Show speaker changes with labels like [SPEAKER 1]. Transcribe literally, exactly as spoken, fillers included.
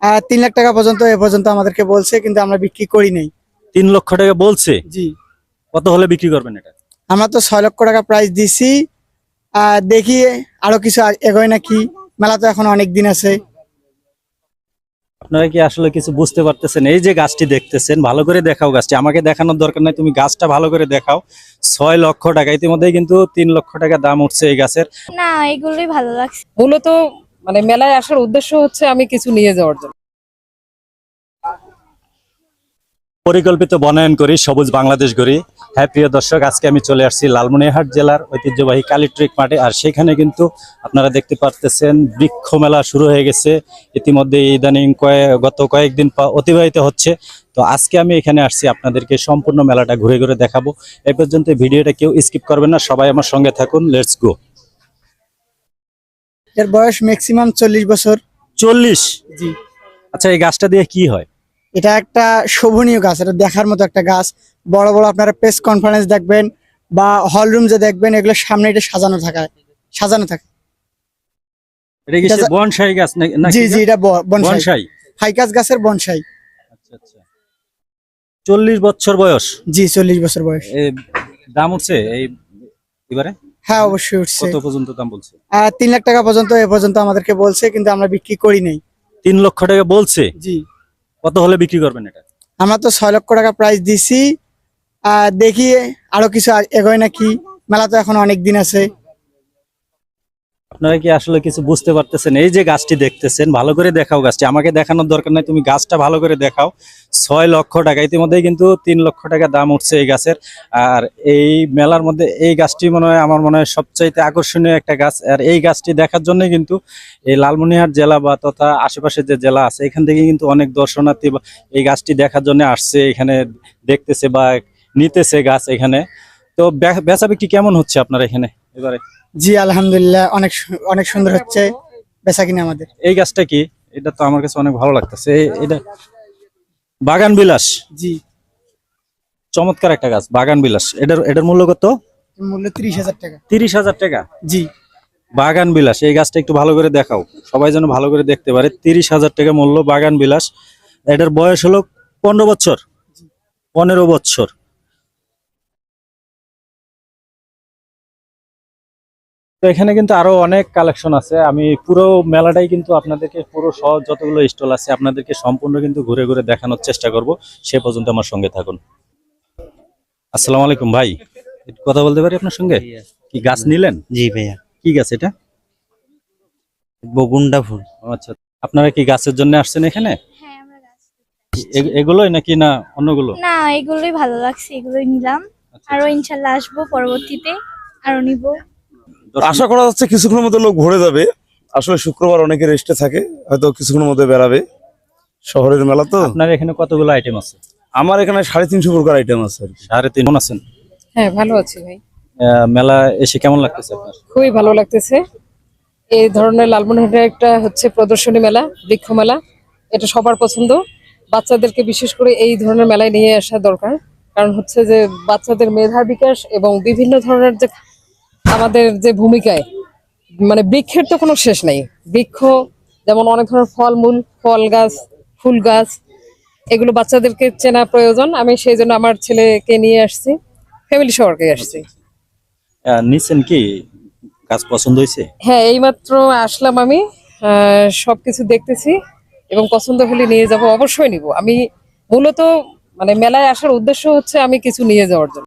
[SPEAKER 1] আহ তিন লাখ টাকা পর্যন্ত এ পর্যন্ত আমাদেরকে বলছে, কিন্তু আমরা বিক্রি করি নাই।
[SPEAKER 2] তিন লক্ষ টাকা বলছে?
[SPEAKER 1] জি।
[SPEAKER 2] কত হলে বিক্রি করবেন এটা?
[SPEAKER 1] আমরা তো ছয় লক্ষ টাকা প্রাইস দিছি। আহ দেখি আরো কিছু আ- এগোয় নাকি। মেলা তো এখন অনেক দিন আছে।
[SPEAKER 2] আপনারা কি আসলে কিছু বুঝতে পারতেছেন? এই যে গাছটি দেখতেছেন, ভালো করে দেখাও গাছটি, আমাকে দেখানোর দরকার নাই, তুমি গাছটা ভালো করে দেখাও। ছয় লক্ষ টাকা, ইতিমধ্যে কিন্তু তিন লক্ষ টাকা দাম উঠছে এই গাছের।
[SPEAKER 3] না, এগুলোই ভালো লাগছে।
[SPEAKER 4] মূলত মানে মেলায় আসার উদ্দেশ্য হচ্ছে আমি কিছু নিয়ে যাওয়ার জন্য।
[SPEAKER 2] পরিকল্পিত বনায়ন করি, সবুজ বাংলাদেশ গড়ি। হ্যাঁ প্রিয় দর্শক, আজকে আমি চলে আসছি লালমনিরহাট জেলার ঐতিহ্যবাহী কালীট্রিক মাঠে। আর সেখানে কিন্তু আপনারা দেখতে পারতেছেন বৃক্ষ মেলা শুরু হয়ে গেছে ইতিমধ্যে। ইদানিং কয়েক গত কয়েকদিন পা- অতিবাহিত হচ্ছে। তো আজকে আমি এখানে আসছি আপনাদেরকে সম্পূর্ণ মেলাটা ঘুরে ঘুরে দেখাবো। এই পর্যন্ত ভিডিওটা কেউ স্কিপ করবেন না, সবাই আমার সঙ্গে থাকুন। Let's go.
[SPEAKER 1] এর বয়স ম্যাক্সিমাম চল্লিশ বছর।
[SPEAKER 2] চল্লিশ?
[SPEAKER 1] জি।
[SPEAKER 2] আচ্ছা, এই গাছটা দিয়ে কি হয়?
[SPEAKER 1] এটা একটা শোভনীয় গাছ, এটা দেখার মতো একটা গাছ। বড় বড় আপনারা প্রেস কনফারেন্স দেখবেন বা হল রুম যে দেখবেন, এগুলো সামনে এটা সাজানো থাকে সাজানো থাকে
[SPEAKER 2] এটা কি
[SPEAKER 1] এটা
[SPEAKER 2] সে
[SPEAKER 1] যা-
[SPEAKER 2] বনসাই গাছ নাকি? নাকি
[SPEAKER 1] জি জি,
[SPEAKER 2] গাছ?
[SPEAKER 1] এটা ব- বনসাই,
[SPEAKER 2] বনসাই।
[SPEAKER 1] ফাইকাস গাছের বনসাই।
[SPEAKER 2] আচ্ছা আচ্ছা, চল্লিশ বছর বয়স।
[SPEAKER 1] জি, চল্লিশ বছর বয়স।
[SPEAKER 2] এ, দাম উঠছে এই এবারে?
[SPEAKER 1] হ্যাঁ, অবশ্যই উঠছে।
[SPEAKER 2] কত পর্যন্ত দাম বলছে?
[SPEAKER 1] আহ তিন লাখ টাকা পর্যন্ত এ পর্যন্ত আমাদেরকে বলছে, কিন্তু আমরা বিক্রি করি নাই।
[SPEAKER 2] তিন লক্ষ টাকা বলছে?
[SPEAKER 1] জি।
[SPEAKER 2] কত হলে বিক্রি করবেন এটা?
[SPEAKER 1] আমরা তো ছয় লক্ষ টাকা প্রাইস দিছি। আহ দেখি আরো কিছু আ- এগোয় নাকি। মেলা তো এখন অনেক দিন আছে।
[SPEAKER 2] আপনারা কি আসলে কিছু বুঝতে পারতেছেন? এই যে গাছটি দেখতেছেন, ভালো করে দেখাও গাছটি, আমাকে দেখানোর দরকার নাই, তুমি গাছটা ভালো করে দেখাও। ছয় লক্ষ টাকা, ইতিমধ্যে কিন্তু তিন লক্ষ টাকা দাম উঠছে এই গাছের। আর এই মেলার মধ্যে এই গাছটি মনে হয় আমার মনে হয় সবচাইতে আকর্ষণীয় একটা গাছ। আর এই গাছটি দেখার জন্যই কিন্তু এই লালমনিরহাট জেলা বা তথা আশেপাশের যে জেলা আছে এখান থেকে কিন্তু অনেক দর্শনার্থী বা এই গাছটি দেখার জন্য আসছে, এখানে দেখতেছে বা নিতেছে গাছ এখানে। তো বে- বেচা বিক্রি কেমন হচ্ছে আপনার এখানে এবারে?
[SPEAKER 1] জি, আলহামদুলিল্লাহ, অনেক সু- অনেক সুন্দর হচ্ছে বেচা কিনা আমাদের।
[SPEAKER 2] এই গাছটা কি? এটা তো আমার কাছে অনেক ভালো লাগতেছে। এ- এটা বাগান বিলাস।
[SPEAKER 1] জি।
[SPEAKER 2] চমৎকার একটা গাছ, বাগান বিলাস। এটার এটার মূল্য কত?
[SPEAKER 1] এর মূল্য ত্রিশ হাজার টাকা।
[SPEAKER 2] তিরিশ হাজার টাকা?
[SPEAKER 1] জি।
[SPEAKER 2] বাগান বিলাস, এই গাছটা একটু ভালো করে দেখাও, সবাই যেন ভালো করে দেখতে পারে। তিরিশ হাজার টাকা মূল্য, বাগান বিলাস। এটার বয়স হলো পনেরো বছর। পনেরো বছর। তো এখানে কিন্তু আরো অনেক কালেকশন আছে। আমি পুরো মেলাটাই কিন্তু আপনাদেরকে, পুরো সহ যতগুলো স্টল আছে আপনাদেরকে সম্পূর্ণ কিন্তু ঘুরে ঘুরে দেখানোর চেষ্টা করব। সে পর্যন্ত আমার সঙ্গে থাকুন। আসসালামু আলাইকুম ভাই, একটু কথা বলতে পারি আপনার সঙ্গে? কি গাছ নিলেন?
[SPEAKER 5] জি ভাইয়া,
[SPEAKER 2] কি গাছ এটা?
[SPEAKER 5] বগুন্ডা ফুল।
[SPEAKER 2] ও আচ্ছা, আপনারা কি গাছের জন্য আসছেন এখানে?
[SPEAKER 3] হ্যাঁ, আমরা গাছ।
[SPEAKER 2] এ- এগুলোই নাকি না অন্যগুলো?
[SPEAKER 3] না, এগুলোই ভালো লাগছে, এগুলোই নিলাম।
[SPEAKER 2] আচ্ছা,
[SPEAKER 3] আরো ইনশাল্লাহ আসবো পরবর্তীতে, আরো নিব।
[SPEAKER 2] দর্শক-
[SPEAKER 6] আশা করা যাচ্ছে কিছুক্ষণের মধ্যে লোক ভরে যাবে। আসলে শুক্রবার অনেকে রেস্টে থাকে, হয়তো কিছুক্ষণের মধ্যে বেরাবে। শহরের মেলা তো।
[SPEAKER 2] আপনার এখানে কতগুলো আইটেম আছে?
[SPEAKER 6] আমার এখানে সাড়ে তিনশো প্রকার আইটেম আছে আর কি।
[SPEAKER 2] সাড়ে তিন আছেন?
[SPEAKER 4] হ্যাঁ, ভালো আছি ভাই,
[SPEAKER 2] আহ, মেলা এসে কেমন লাগতেছে আপনার?
[SPEAKER 4] খুবই ভালো লাগতেছে। এই ধরনের লালমনিরহাটের একটা হচ্ছে প্রদর্শনী মেলা, বৃক্ষ মেলা, এটা সবার পছন্দ। বাচ্চাদেরকে বিশেষ করে এই ধরনের মেলায় নিয়ে আসা দরকার, কারণ হচ্ছে যে বাচ্চাদের মেধা বিকাশ এবং বিভিন্ন ধরনের যে আমাদের যে ভূমিকায়, মানে বৃক্ষের তো কোনো শেষ নাই। বৃক্ষ যেমন অনেক ধরনের ফলমূল, ফল গাছ, ফুল গাছ, এগুলো বাচ্চাদেরকে চেনা প্রয়োজন। আমি সেই জন্য আমার ছেলেকে নিয়ে আসছি, ফ্যামিলি সবারকে আসছি।
[SPEAKER 2] আহ, নিছেন কি? গাছ পছন্দ হয়েছে?
[SPEAKER 4] হ্যাঁ, এইমাত্র আসলাম আমি, আহ, সবকিছু দেখতেছি এবং পছন্দ হলে নিয়ে যাব, অবশ্যই নিব। আমি মূলত মানে মেলায় আসার উদ্দেশ্য হচ্ছে আমি কিছু নিয়ে যাওয়ার জন্য।